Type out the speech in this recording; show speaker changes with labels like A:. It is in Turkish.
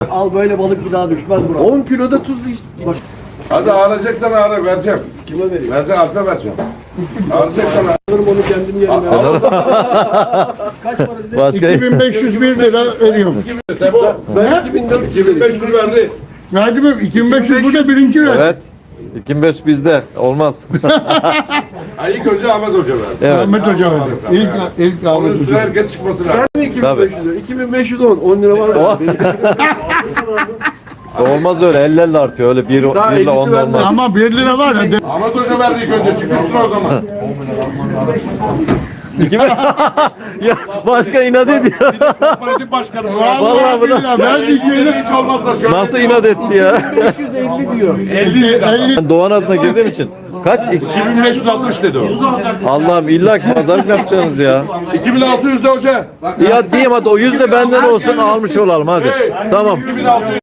A: Al böyle balık bir daha düşmez buraya. 10 kiloda tuz işte.
B: Hadi ağlayacaksan ağla vereceğim.
A: Kime vereyim?
B: Vereceğim Alp'e vereceğim. Ağlayacaksan ağla.
A: Alırım onu kendim yerine. Kaç para dedi?
C: Başka
D: 2501 lira veriyorum.
B: Sebo.
A: Ben 2400
B: 2500 verdi.
D: Verdim mi? 2500 burada birinci ver.
C: evet. 2500 bizde. Olmaz.
B: Ay ilk önce Ahmet Hoca verdi.
C: Evet.
D: Ahmet Hoca verdi. İlk
B: Onun
D: Ahmet
B: üstüne
D: Hoca.
B: herkes çıkması lazım.
A: Ben mi 2500 lira? 2510. 10 lira var.
C: Olmaz öyle. 50 artıyor. Öyle bir
A: Daha
C: ile 10
A: ellisi vermez.
C: olmaz.
D: Ama 1 lira var ya.
B: Ahmet Hoca verdi ilk önce. Çık üstüne o zaman.
C: Ya başka inat ediyor.
B: Kooperatif başkanı.
C: Vallahi bu nasıl?
D: Verdik yine.
B: Hiç olmazsa şöyle.
C: Nasıl inat etti ya?
A: 550 diyor.
D: 50.
C: Ben Doğan adına girdiğim için. Kaç?
B: 2560 dedi o.
C: Allah'ım illa ki pazarlık mı yapacaksınız ya?
B: 2600 de hoca.
C: Ya diyeyim hadi o 100 de benden olsun almış olalım hadi. Tamam.
B: 2600.